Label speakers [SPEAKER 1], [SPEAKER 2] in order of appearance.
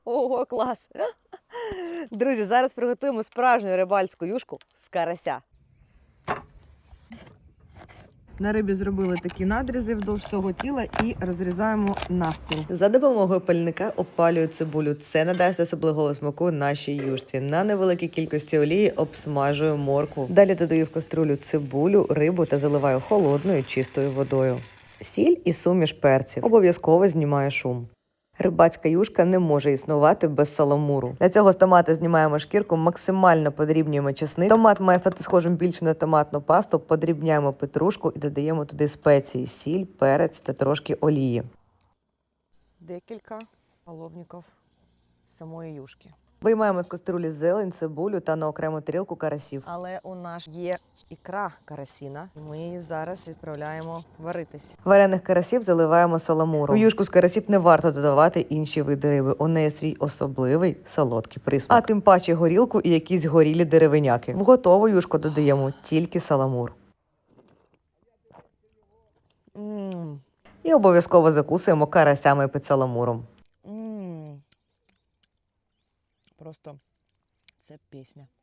[SPEAKER 1] Ого, клас! Друзі, зараз приготуємо справжню рибальську юшку з карася. На рибі зробили такі надрізи вдовж всього тіла і розрізаємо навпіл. За допомогою пальника опалюю цибулю. Це надасть особливого смаку нашій юшці. На невеликій кількості олії обсмажую моркву. Далі додаю в каструлю цибулю, рибу та заливаю холодною чистою водою. Сіль і суміш перців. Обов'язково знімаю шум. Рибацька юшка не може існувати без саламуру. Для цього з томата знімаємо шкірку, максимально подрібнюємо чесник. Томат має стати схожим більше на томатну пасту, подрібняємо петрушку і додаємо туди спеції, сіль, перець та трошки олії. Декілька половників самої юшки. Виймаємо з каструлі зелень, цибулю та на окрему тарілку карасів. Але у нас є ікра карасіна. Ми її зараз відправляємо варитись. Варених карасів заливаємо саламуром. В юшку з карасів не варто додавати інші види риби. У неї свій особливий солодкий присмак. А тим паче горілку і якісь горілі деревиняки. В готову юшку додаємо тільки саламур. І обов'язково закусуємо карасями під саламуром. Просто це пісня.